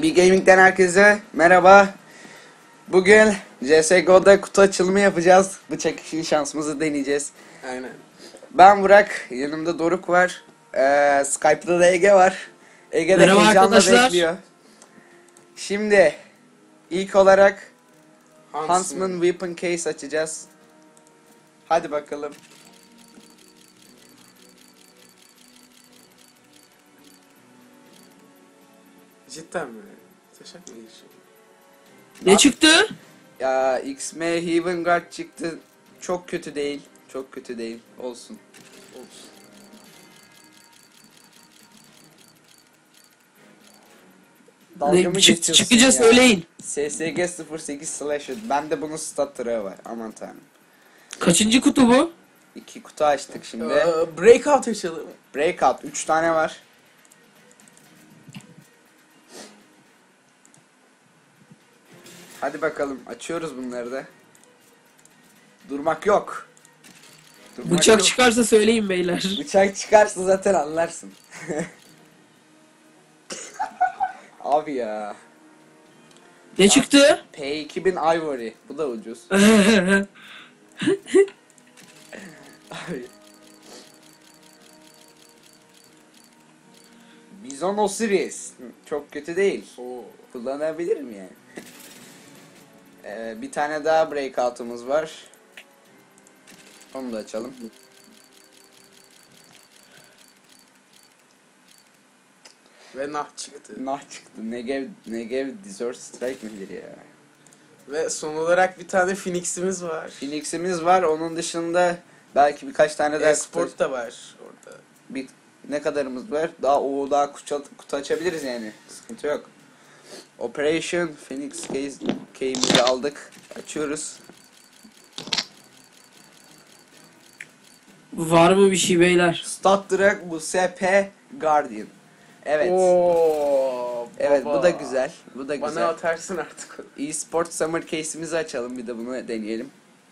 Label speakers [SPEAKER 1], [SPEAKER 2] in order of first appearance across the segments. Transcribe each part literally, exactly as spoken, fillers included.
[SPEAKER 1] B B Gaming'den herkese merhaba. Bugün C S G O'da kutu açılımı yapacağız. Bıçak işin şansımızı deneyeceğiz.
[SPEAKER 2] Aynen.
[SPEAKER 1] Ben Burak, yanımda Doruk var. Ee, Skype'da da Ege var. Ege de
[SPEAKER 3] Merhaba
[SPEAKER 1] heyecanla
[SPEAKER 3] arkadaşlar.
[SPEAKER 1] bekliyor. Şimdi ilk olarak
[SPEAKER 2] Huntsman.
[SPEAKER 1] Huntsman Weapon Case açacağız. Hadi bakalım.
[SPEAKER 2] Cidden mi? Taşak mı geçiyor?
[SPEAKER 3] Ne çıktı?
[SPEAKER 1] Ya X M Heaven Guard çıktı. Çok kötü değil. Çok kötü değil. Olsun.
[SPEAKER 2] Olsun.
[SPEAKER 1] Dalga
[SPEAKER 3] Ne
[SPEAKER 1] mı
[SPEAKER 3] çık-
[SPEAKER 1] geçiyorsun
[SPEAKER 3] çıkınca
[SPEAKER 1] ya?
[SPEAKER 3] söyleyin.
[SPEAKER 1] S S G sıfır sekiz Slasher. Bende bunun stat trağı var. Aman tanrım.
[SPEAKER 3] Kaçıncı kutu bu?
[SPEAKER 1] İki kutu açtık şimdi.
[SPEAKER 2] Ee, breakout açalım.
[SPEAKER 1] Breakout. Üç tane var. Hadi bakalım. Açıyoruz bunları da. Durmak yok. Durmak
[SPEAKER 3] Bıçak
[SPEAKER 1] yok.
[SPEAKER 3] çıkarsa söyleyin beyler.
[SPEAKER 1] Bıçak çıkarsa zaten anlarsın. Abi ya.
[SPEAKER 3] Ne çıktı?
[SPEAKER 1] P iki bin Ivory. Bu da ucuz. Abi. Bizon Osiris. Çok kötü değil.
[SPEAKER 2] Oo.
[SPEAKER 1] Kullanabilirim yani. Ee, bir tane daha breakout'umuz var. Onu da açalım.
[SPEAKER 2] Ve nah çıktı.
[SPEAKER 1] Nah çıktı. Negev, Negev Desert Strike midir ya?
[SPEAKER 2] Ve son olarak bir tane Phoenix'imiz var.
[SPEAKER 1] Phoenix'imiz var. Onun dışında belki birkaç tane daha
[SPEAKER 2] Esport da var orada.
[SPEAKER 1] bir ne kadarımız var? Daha o daha kutu, kutu açabiliriz yani. Sıkıntı yok. Operation Phoenix case key'imizi aldık. Açıyoruz.
[SPEAKER 3] Var mı bir şey beyler?
[SPEAKER 1] Stat Drag bu S P Guardian. Evet.
[SPEAKER 2] Oo,
[SPEAKER 1] Evet
[SPEAKER 2] baba.
[SPEAKER 1] bu da güzel. Bu da
[SPEAKER 2] Bana
[SPEAKER 1] güzel.
[SPEAKER 2] atarsın artık.
[SPEAKER 1] eSport Summer case'imizi açalım, bir de bunu deneyelim.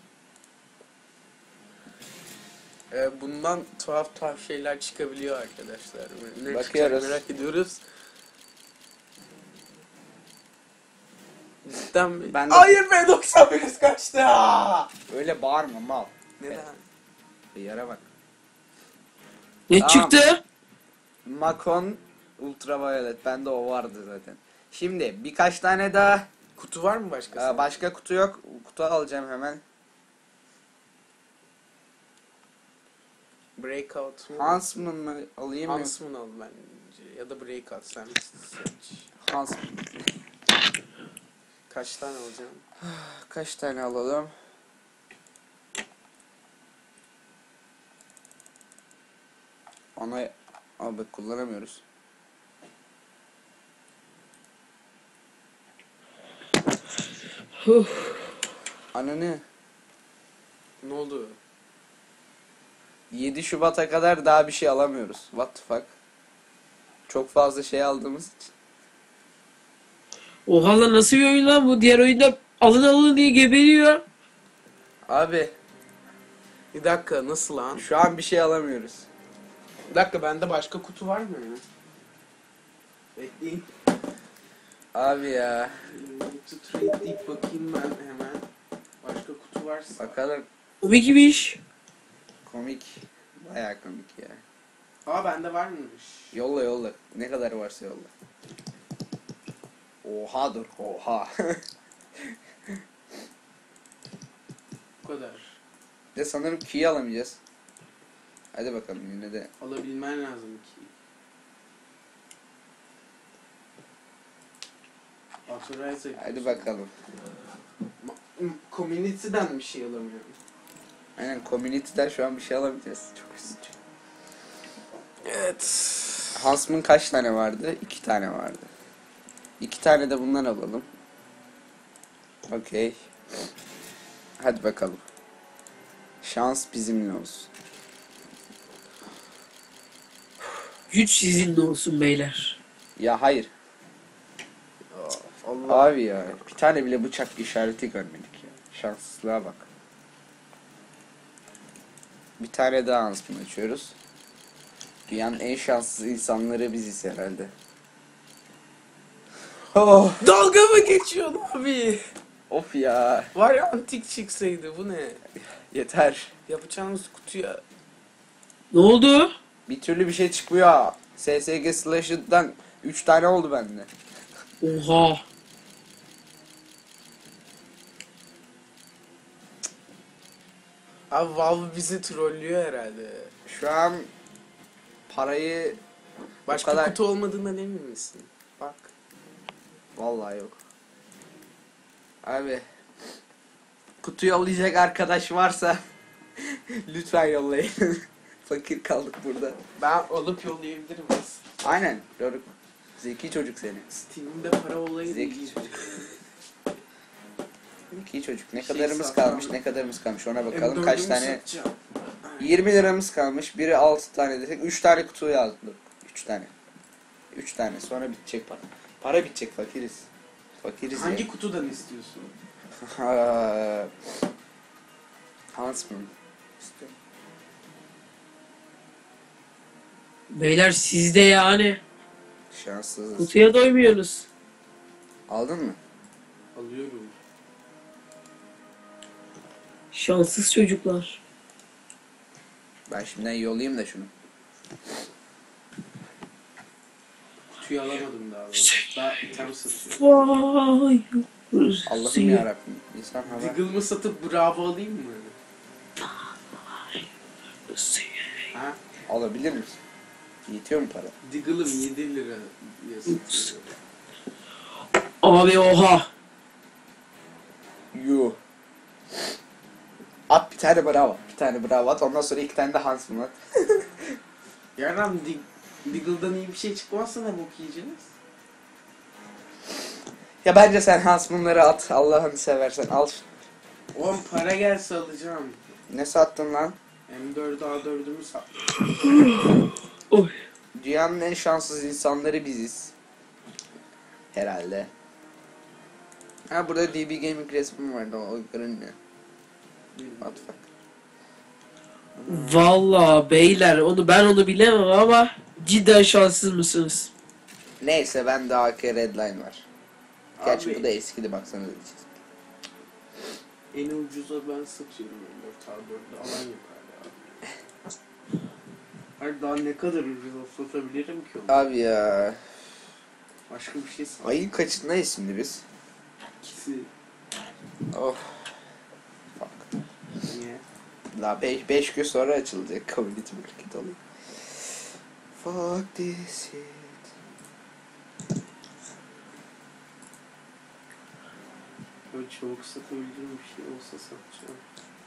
[SPEAKER 2] Ee, bundan tuhaf tuhaf şeyler çıkabiliyor arkadaşlar. Ne
[SPEAKER 1] Bakıyoruz.
[SPEAKER 2] çıkacak merak ediyoruz. Cidden mi?
[SPEAKER 1] Ben de-
[SPEAKER 2] Hayır be, doksan bir kaçtı.
[SPEAKER 1] Öyle bağırma mal.
[SPEAKER 2] Neden?
[SPEAKER 1] Yara bak.
[SPEAKER 3] Ne
[SPEAKER 1] Tamam.
[SPEAKER 3] çıktı?
[SPEAKER 1] Macon Ultraviolet. Bende o vardı zaten. Şimdi birkaç tane daha.
[SPEAKER 2] Kutu var mı başka?
[SPEAKER 1] Aa, başka kutu yok. Kutu alacağım hemen.
[SPEAKER 2] Breakout mu?
[SPEAKER 1] Huntsman mı alayım mı?
[SPEAKER 2] Huntsman al bence. Ya da Breakout, sen seç.
[SPEAKER 1] Huntsman.
[SPEAKER 2] Kaç tane alacağım?
[SPEAKER 1] Kaç tane alalım? Ona abi kullanamıyoruz.
[SPEAKER 3] Huh.
[SPEAKER 1] Ananı.
[SPEAKER 2] Ne oldu?
[SPEAKER 1] yedi Şubat'a kadar daha bir şey alamıyoruz. What the fuck? Çok fazla şey aldığımız için.
[SPEAKER 3] Oha lan, nasıl bir oyun lan bu? Diğer oyunda alın alın diye geberiyor.
[SPEAKER 1] Abi
[SPEAKER 2] Bir dakika, nasıl lan?
[SPEAKER 1] şu an bir şey alamıyoruz.
[SPEAKER 2] Bir dakika, bende başka kutu var mı? Bekleyin.
[SPEAKER 1] Abi ya.
[SPEAKER 2] Kutu trade deyip bakayım ben hemen. Başka kutu varsa.
[SPEAKER 1] Bakalım.
[SPEAKER 3] Komik bir iş.
[SPEAKER 1] Komik. Bayağı komik ya.
[SPEAKER 2] Aa, bende var mıymış?
[SPEAKER 1] Yolla yolla. Ne kadar varsa yolla. Oha dur. Oha.
[SPEAKER 2] Bu kadar.
[SPEAKER 1] De sanırım key alamayacağız. Hadi bakalım yine de.
[SPEAKER 2] Alabilmen lazım ki. Authorize
[SPEAKER 1] Hadi bakalım.
[SPEAKER 2] Ma- Community'den bir şey alamıyorum.
[SPEAKER 1] Aynen community'den şu an bir şey alamayacağız. Çok üzücü.
[SPEAKER 2] Evet.
[SPEAKER 1] Huntsman kaç tane vardı? İki tane vardı. İki tane de bundan alalım. Okey. Hadi bakalım. Şans bizimle olsun.
[SPEAKER 3] Güç sizinle olsun beyler.
[SPEAKER 1] Ya hayır.
[SPEAKER 2] Allah.
[SPEAKER 1] Abi ya. Bir tane bile bıçak işareti görmedik ya. Şanssızlığa bak. Bir tane daha Huntsman açıyoruz. Dünyanın en şanssız insanları biziz herhalde. Oh,
[SPEAKER 2] Dalga mı geçiyorsun abi?
[SPEAKER 1] of ya.
[SPEAKER 2] Var ya antik çıksaydı bu ne?
[SPEAKER 1] Yeter.
[SPEAKER 2] Yapacağımız kutuya.
[SPEAKER 3] Ne oldu?
[SPEAKER 1] Bir türlü bir şey çıkmıyor. S S G Slash'dan üç tane oldu bende.
[SPEAKER 3] Oha.
[SPEAKER 2] Abi Valve bizi trollüyor herhalde.
[SPEAKER 1] Şu an parayı
[SPEAKER 2] Başka
[SPEAKER 1] kadar-
[SPEAKER 2] kutu olmadığından emin misin? Bak.
[SPEAKER 1] vallahi yok. Abi kutu yollayacak arkadaş varsa lütfen yollayın. Fakir kaldık burada.
[SPEAKER 2] Ben alıp yollayabilirim aslında.
[SPEAKER 1] Aynen. Doruk. Zeki çocuk seni.
[SPEAKER 2] Steam'de para olayı
[SPEAKER 1] Zeki
[SPEAKER 2] değil.
[SPEAKER 1] çocuk. Zeki çocuk. Ne
[SPEAKER 2] Şey
[SPEAKER 1] kadarımız
[SPEAKER 2] satmam.
[SPEAKER 1] kalmış, ne kadarımız kalmış ona bakalım.
[SPEAKER 2] M dördümü
[SPEAKER 1] Kaç tane?
[SPEAKER 2] satacağım.
[SPEAKER 1] yirmi liramız kalmış. Biri altı tane desek üç tane kutu yazdık. üç tane. üç tane. Sonra bitecek para. Para bitecek, fakiriz. Fakiriz
[SPEAKER 2] Hangi
[SPEAKER 1] ya.
[SPEAKER 2] kutudan istiyorsun?
[SPEAKER 1] Ha, Huntsman. İstiyorum.
[SPEAKER 3] Beyler sizde yani.
[SPEAKER 1] Şanssızız.
[SPEAKER 3] Kutuya doymuyorsunuz.
[SPEAKER 1] Aldın mı?
[SPEAKER 2] Alıyorum.
[SPEAKER 3] Şanssız çocuklar.
[SPEAKER 1] Ben şimdiden yollayayım da şunu.
[SPEAKER 2] Kutuyu alamadım daha. doğrusu. Daha item satıyorum.
[SPEAKER 3] Vay.
[SPEAKER 1] Allah'ım yarabbim. İnsan hava.
[SPEAKER 2] Diggle'ımı satıp bravo alayım mı? Ha?
[SPEAKER 1] Alabilir misin? Yetiyor mu para?
[SPEAKER 2] Diggle'ım yedi lira diye satıyorum.
[SPEAKER 3] Abi oha.
[SPEAKER 1] Yuh. At bir tane bravo. Bir tane bravo at. Ondan sonra iki tane de Huntsman at.
[SPEAKER 2] Yarın Dig Diggle'dan iyi bir şey çıkmazsa ne bok yiyeceğiz?
[SPEAKER 1] Ya bence sen Huntsman'ları at. Allah'ını seversen al.
[SPEAKER 2] On para gelse alacağım.
[SPEAKER 1] Ne sattın lan?
[SPEAKER 2] M dört A dördümü sattım.
[SPEAKER 3] Oy.
[SPEAKER 1] Dünyanın en şanssız insanları biziz. Herhalde. Ha burada D B Gaming resmi vardı, o görünmüyor. What the fuck?
[SPEAKER 3] Vallahi beyler onu ben onu bilemem ama cidden şanssız mısınız?
[SPEAKER 1] Neyse ben de A K Redline var. Gerçi
[SPEAKER 2] Abi.
[SPEAKER 1] bu da eskidi, baksanıza.
[SPEAKER 2] En ucuza ben satıyorum M dört A dördü. Alan yok hala abi. Hayır daha ne kadar ucuza satabilirim ki onu?
[SPEAKER 1] Abi ya.
[SPEAKER 2] Başka bir şey sat.
[SPEAKER 1] Ayın kaçındayız şimdi biz?
[SPEAKER 2] İkisi.
[SPEAKER 1] Oh. Fuck.
[SPEAKER 2] Niye?
[SPEAKER 1] Daha beş gün sonra açılacak community market olayım. Fuck this shit.
[SPEAKER 2] Böyle çabuk satabildiğim bir şey olsa satacağım.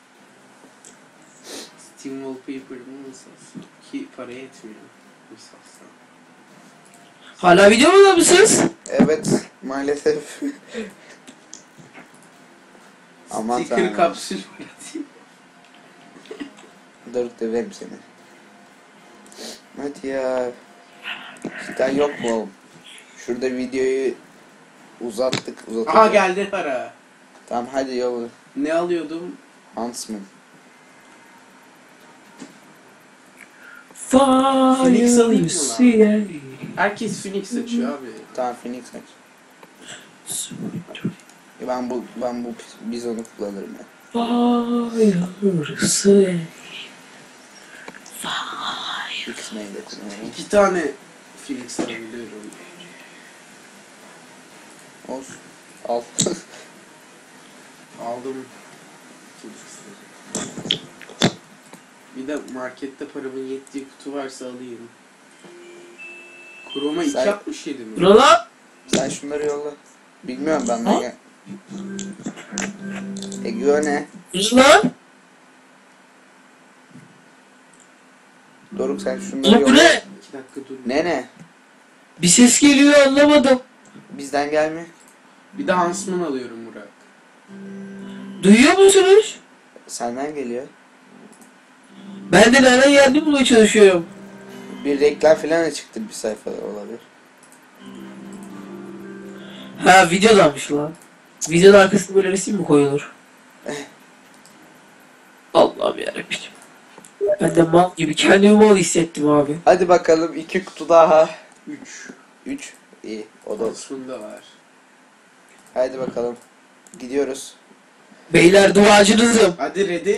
[SPEAKER 2] Steam Wallpaper'ımı mı satsam? Ki para yetmiyor. Mı satsam?
[SPEAKER 3] Hala videoda mısınız?
[SPEAKER 1] Evet maalesef. Aman
[SPEAKER 2] Sticker
[SPEAKER 1] tanrım.
[SPEAKER 2] kapsül üreteyim.
[SPEAKER 1] Doruk döverim seni. Hadi ya. Cidden yok mu oğlum? Şurada videoyu uzattık uzattık.
[SPEAKER 2] Aha geldi para.
[SPEAKER 1] Tamam hadi yolla.
[SPEAKER 2] Ne alıyordum?
[SPEAKER 1] Huntsman.
[SPEAKER 2] Phoenix alayım mı
[SPEAKER 3] Fire
[SPEAKER 2] lan? Herkes Phoenix açıyor abi.
[SPEAKER 1] Tamam Phoenix aç. Ya ben bu ben bu biz onu kullanırım ya.
[SPEAKER 3] Fire
[SPEAKER 1] X-Main'i de kullanırım.
[SPEAKER 2] İki tane Phoenix alabiliyorum.
[SPEAKER 1] Olsun. Al.
[SPEAKER 2] Aldım. Bir de markette paramın yettiği kutu varsa alayım. Chroma
[SPEAKER 1] Sen-
[SPEAKER 2] iki altmış yedi mi?
[SPEAKER 3] Buna lan.
[SPEAKER 1] Sen şunları yolla. Bilmiyorum ben
[SPEAKER 3] Ha?
[SPEAKER 1] de gel. Ege ne?
[SPEAKER 3] Buna lan.
[SPEAKER 1] Doruk sen şunları
[SPEAKER 3] Ulan bu
[SPEAKER 1] yolla.
[SPEAKER 3] ne?
[SPEAKER 2] İki dakika dur.
[SPEAKER 1] Ne ne?
[SPEAKER 3] Bir ses geliyor anlamadım.
[SPEAKER 1] Bizden gelmiyor.
[SPEAKER 2] Bir de Huntsman alıyorum Murat.
[SPEAKER 3] Duyuyor musunuz?
[SPEAKER 1] Senden geliyor.
[SPEAKER 3] Ben de nereden geldiğini bulmaya çalışıyorum.
[SPEAKER 1] Bir reklam falan da çıktı bir sayfada olabilir.
[SPEAKER 3] Ha videodanmış lan. Videonun arkasında böyle resim mi koyulur? Allah'ım yarabbim. Ben de mal gibi kendimi mal hissettim abi.
[SPEAKER 1] Hadi bakalım iki kutu daha.
[SPEAKER 2] üç.
[SPEAKER 1] Üç. İyi. O da.
[SPEAKER 2] Olsun da var.
[SPEAKER 1] Haydi bakalım. Gidiyoruz.
[SPEAKER 3] Beyler duacınızım.
[SPEAKER 2] Hadi ready.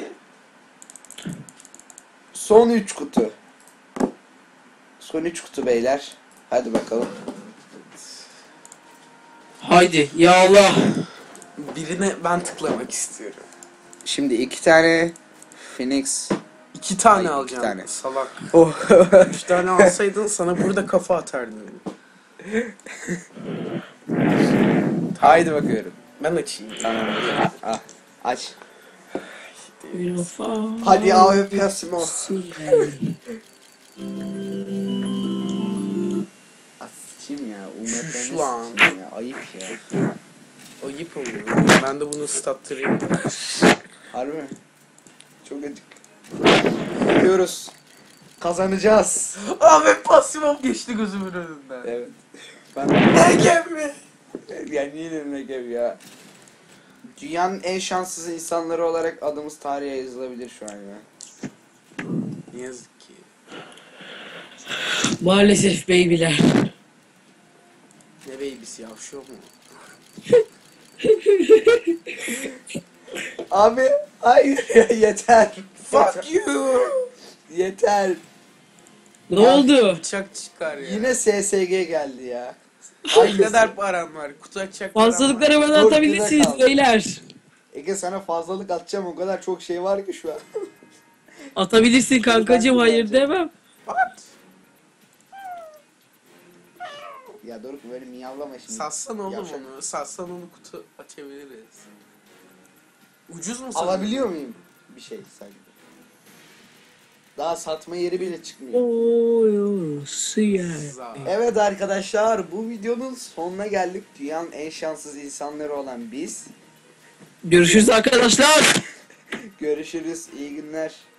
[SPEAKER 1] Son üç kutu. Son üç kutu beyler. Hadi bakalım.
[SPEAKER 3] Haydi ya Allah.
[SPEAKER 2] Birine ben tıklamak istiyorum.
[SPEAKER 1] Şimdi iki tane Phoenix.
[SPEAKER 2] İki tane
[SPEAKER 1] Ay,
[SPEAKER 2] alacağım.
[SPEAKER 1] iki tane.
[SPEAKER 2] Salak.
[SPEAKER 1] Oh.
[SPEAKER 2] Üç tane alsaydın sana burada kafa atardım.
[SPEAKER 1] Haydi bakıyorum.
[SPEAKER 2] Ben açayım.
[SPEAKER 1] Tamam. Ah, aç. Hadi
[SPEAKER 3] Hadi
[SPEAKER 1] A W P Simo. Açayım ya.
[SPEAKER 2] Şuş
[SPEAKER 1] Umetlerine
[SPEAKER 2] lan.
[SPEAKER 1] sıçayım ya. Ayıp ya.
[SPEAKER 2] Ayıp oluyor. Ben de bunu stattırayım.
[SPEAKER 1] Harbi mi? Çok acık. Gidiyoruz. Kazanacağız.
[SPEAKER 2] Abi pasifim geçti gözümün önünden.
[SPEAKER 1] Evet. Ben
[SPEAKER 2] Ege mi?
[SPEAKER 1] yani niye dedim Egev ya? Dünyanın en şanssız insanları olarak adımız tarihe yazılabilir şu an ya.
[SPEAKER 2] Ne yazık ki.
[SPEAKER 3] Maalesef beybiler.
[SPEAKER 2] Ne babysi yavşıyor mu?
[SPEAKER 1] Abi hayır ya yeter.
[SPEAKER 2] Fuck you.
[SPEAKER 1] Yeter.
[SPEAKER 3] Ne oldu?
[SPEAKER 2] Bıçak çıkar ya.
[SPEAKER 1] Yine S S G geldi ya.
[SPEAKER 2] Ay kadar param var. Kutu açacak param var.
[SPEAKER 3] Fazlalıkları bana
[SPEAKER 1] Dur,
[SPEAKER 3] atabilirsiniz
[SPEAKER 1] güzel kaldı.
[SPEAKER 3] beyler.
[SPEAKER 1] Ege sana fazlalık atacağım, o kadar çok şey var ki şu an.
[SPEAKER 3] Atabilirsin kankacığım, hayır demem.
[SPEAKER 2] What?
[SPEAKER 1] Ya Doruk böyle miyavlama şimdi.
[SPEAKER 2] Satsan oğlum
[SPEAKER 1] Yavşak.
[SPEAKER 2] onu. Satsan onu kutu açabiliriz. Ucuz mu sanıyorsun?
[SPEAKER 1] Alabiliyor muyum bir şey sadece? Daha satma yeri bile çıkmıyor.
[SPEAKER 3] Oy, suya.
[SPEAKER 2] Za-
[SPEAKER 1] Evet arkadaşlar, bu videonun sonuna geldik. Dünyanın en şanssız insanları olan biz.
[SPEAKER 3] Görüşürüz arkadaşlar.
[SPEAKER 1] Görüşürüz, iyi günler.